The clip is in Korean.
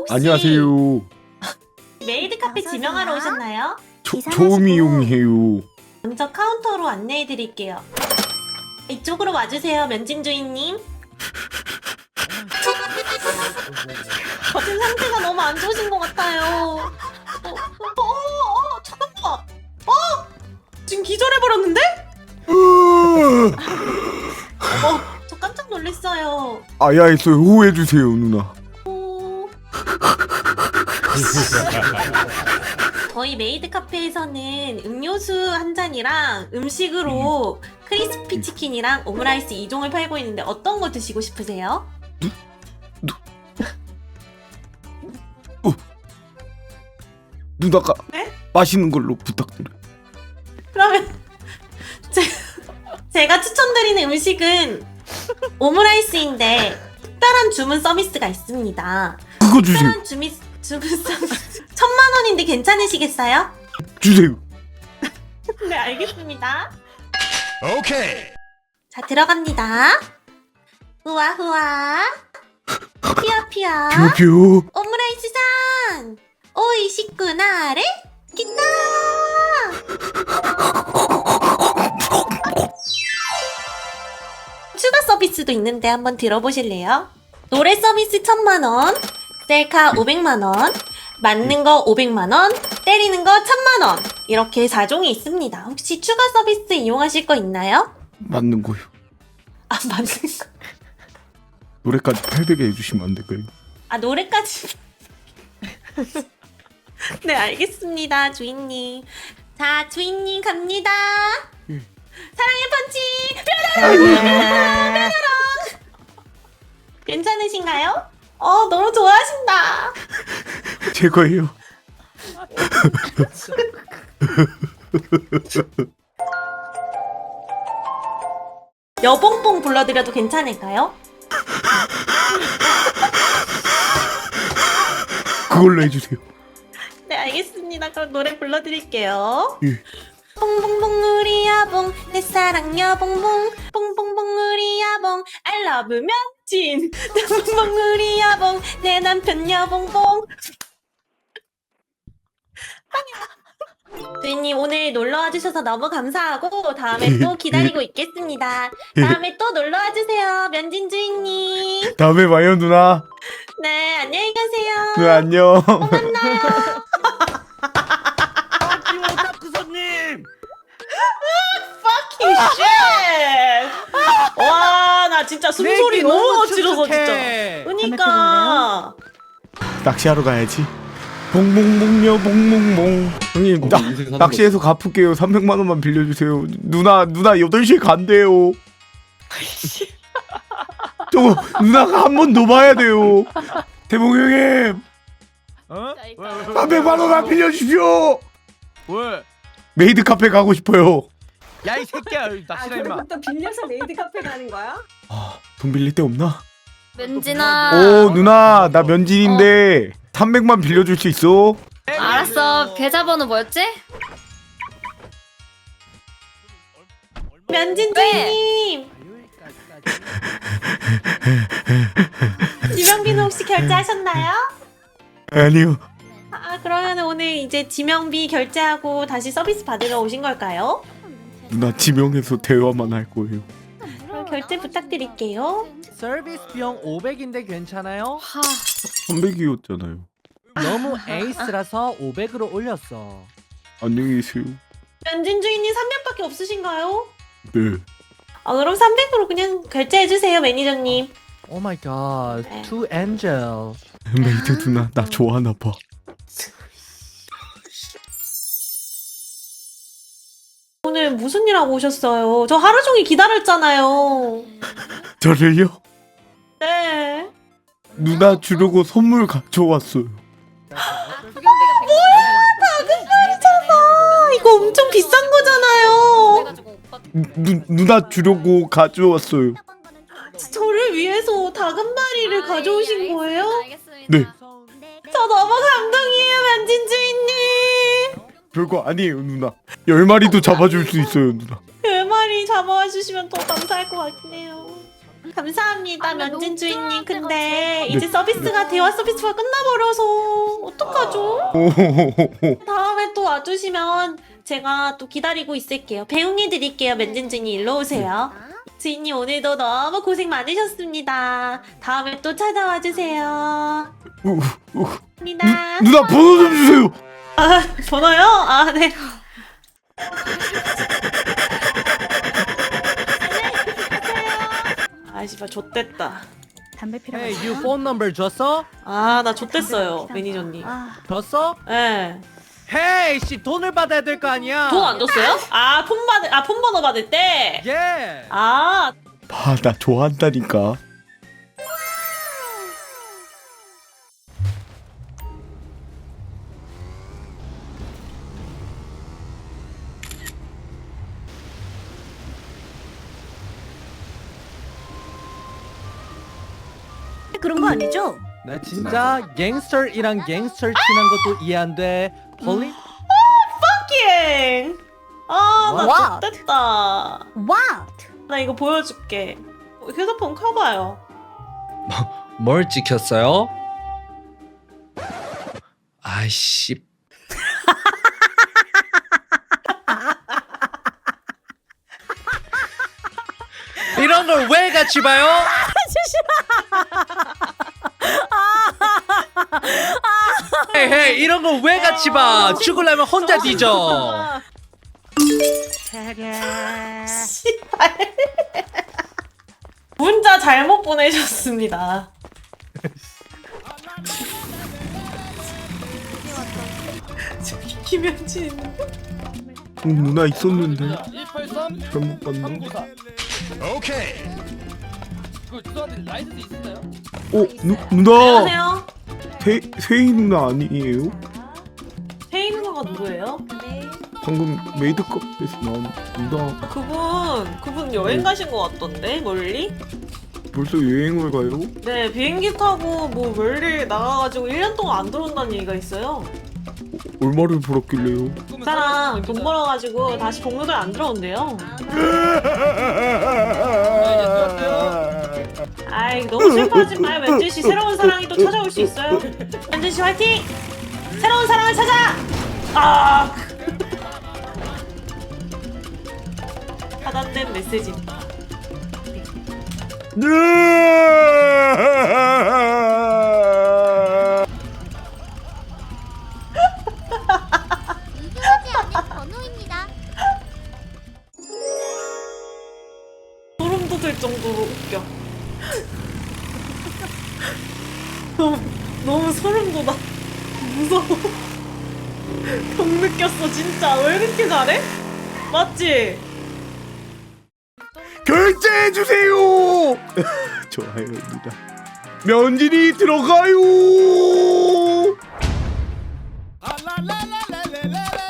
안녕하세요. 메이드 카페 지명하러 오셨나요? 초미용해요. 먼저 카운터로 안내해 드릴게요. 이쪽으로 와주세요, 면진 주인님. 지금 상태가 너무 안 좋으신 것 같아요. 잠깐만. 지금 기절해버렸는데? 저 깜짝 놀랐어요. 아야했어요. 호해주세요 누나. 저희 메이드 카페에서는 음료수 한 잔이랑 음식으로 크리스피 치킨이랑 오므라이스 2종을 팔고 있는데 어떤 거 드시고 싶으세요? 누나가 네? 맛있는 걸로 부탁드려요. 그러면 제가 추천드리는 음식은 오므라이스인데 특별한 주문 서비스가 있습니다. 그거 주세요. 특별한 주문 서비스 1000만원인데 괜찮으시겠어요? 주세요. 네, 알겠습니다. 오케이. 자, 들어갑니다. 후아 후아 피어 피어 뷰뷰. 오므라이스 산 오이시쿠나레 기타. 추가 서비스도 있는데 한번 들어보실래요? 노래 서비스 1000만원, 셀카 500만원, 맞는 거 500만원, 때리는 거 1000만원, 이렇게 4종이 있습니다. 혹시 추가 서비스 이용하실 거 있나요? 맞는 거요. 아, 맞는 거. 노래까지 800에 해주시면 안 될까요? 아, 노래까지. 네, 알겠습니다, 주인님. 자, 주인님 갑니다. 사랑의 펀치! 뾰로롱! 괜찮으신가요? 너무 좋아하신다. 제 거예요. 여봉봉 불러드려도 괜찮을까요? 그걸로 해주세요. 네, 알겠습니다. 그럼 노래 불러드릴게요. 예. 봉봉봉 우리 여봉 내 사랑 여봉봉 봉봉봉 우리 여봉 I love 면진 봉봉봉 우리 여봉 내 남편 여봉봉. 주인님 오늘 놀러와 주셔서 너무 감사하고 다음에 또 기다리고 있겠습니다. 다음에 또 놀러와 주세요, 면진 주인님. 다음에 봐요 누나. 네, 안녕히 가세요. 누나 안녕. 만나요. 오타쿠 손님. fucking shit. 와, 나 진짜 숨소리 너무 어지러서 진짜. 그니까. 낚시하러 가야지. 봉봉봉녀 봉봉봉. 형님 낚시해서 갚을게요. 300만 원만 빌려주세요. 누나 8시에 간대요. 저거 누나가 한 번 더 봐야 돼요. 대봉 형님 어? 300만 원만 빌려주십시오. 왜? 메이드 카페 가고 싶어요. 야 이 새끼야 낚시라 임마. 그럼 또 빌려서 메이드 카페 가는 거야? 돈 빌릴 데 없나? 면진아. 오 누나 나 면진인데 300만 빌려줄 수 있어? 알았어. 계좌번호 뭐였지? 면진 왜? 주인님. 지명비는 혹시 결제하셨나요? 아니요. 그러면 오늘 이제 지명비 결제하고 다시 서비스 받으러 오신 걸까요? 누나 지명해서 대화만 할 거예요. 그럼 결제 부탁드릴게요. 서비스 비용 500인데 괜찮아요? 하. 300이었잖아요. 너무 에이스라서 500으로 올렸어. 안녕히 계세요. 면진 주인님 300밖에 없으신가요? 네. 그럼 300으로 그냥 결제해주세요, 매니저님. 오 마이 갓. 네. 투 엔젤. 메이드 누나 나 좋아하나 봐. 오늘 무슨 일 하고 오셨어요? 저 하루 종일 기다렸잖아요. 저를요? 네. 누나 주려고 선물 가져왔어요. 이거 엄청 비싼 거잖아요. 누나 주려고 가져왔어요. 저를 위해서 다금바리를 가져오신 거예요? 네. 저 너무 감동이에요, 면진 주인님. 별거 아니에요 누나. 10마리도 잡아줄 수 있어요 누나. 10마리 잡아와 주시면 더 감사할 것 같긴 해요. 감사합니다, 아니, 면진 너무 주인님. 짠할 근데 때가 이제 네. 서비스가 대화 서비스가 끝나버려서 어떡하죠? 다음에 또 와주시면 제가 또 기다리고 있을게요. 배웅해 드릴게요, 면진 주인님. 일로 오세요. 주인님 오늘도 너무 고생 많으셨습니다. 다음에 또 찾아와 주세요. 감사합니다. 누나 번호 좀 주세요. 아, 번호요? 아, 네. 아, 씨발, 좆됐다. 담배 필요가 Hey, you phone number 줬어? 아, 나 좆됐어요, 매니저님. 줬어? 예. Hey, 씨 돈을 받아야 될 거 아니야. 돈 안 줬어요? 아, 폰 번호 받을 때? 예. 아, 봐, 나 좋아한다니까. 그런 거 아니죠? 나 진짜 갱스터이랑 갱스터 친한 것도 이해 안 돼. 폴리? 킹! 아, 나 What? 좆됐다. What? 나 이거 보여줄게. 휴대폰 켜봐요. 뭘 찍혔어요? 아이씨. 이런 걸 왜 같이 봐요? 헤이 헤이 이런 걸 왜 같이 봐? 죽으려면 혼자 뒤져. 씨발. 문자 잘못 보내셨습니다. 저기 김현진 있는데? 누나 있었는데 183 잘못 봤나? 394. 오케이. 그 죄송한데 라이센스 있으나요? 누나 안녕하세요. 세희 누나 아니에요? 혜인 누나가 누구예요? 방금 메이드컵에서 나온 누나 그분 여행 가신 것 같던데, 멀리? 벌써 여행을 가요? 네, 비행기 타고 뭐 멀리 나가가지고 1년 동안 안 들어온다는 얘기가 있어요. 얼마를 벌었길래요? 그 사람 돈 벌어가지고 다시 동료들 안 들어온대요. 아이, 너무 슬퍼하지 마요, 면진 씨. 새로운 사랑이 또 찾아올 수 있어요. 면진 씨 화이팅! 새로운 사랑을 찾아! 아, 하단된 메시지입니다. 유효하지 않은 번호입니다. 소름 돋을 정도로 웃겨. 너무 소름 돋아. 무서워. 병 느꼈어, 진짜. 왜 이렇게 잘해? 맞지? 결제해주세요! 좋아요 누나 면진이 들어가요! 아, 라라라라라라라.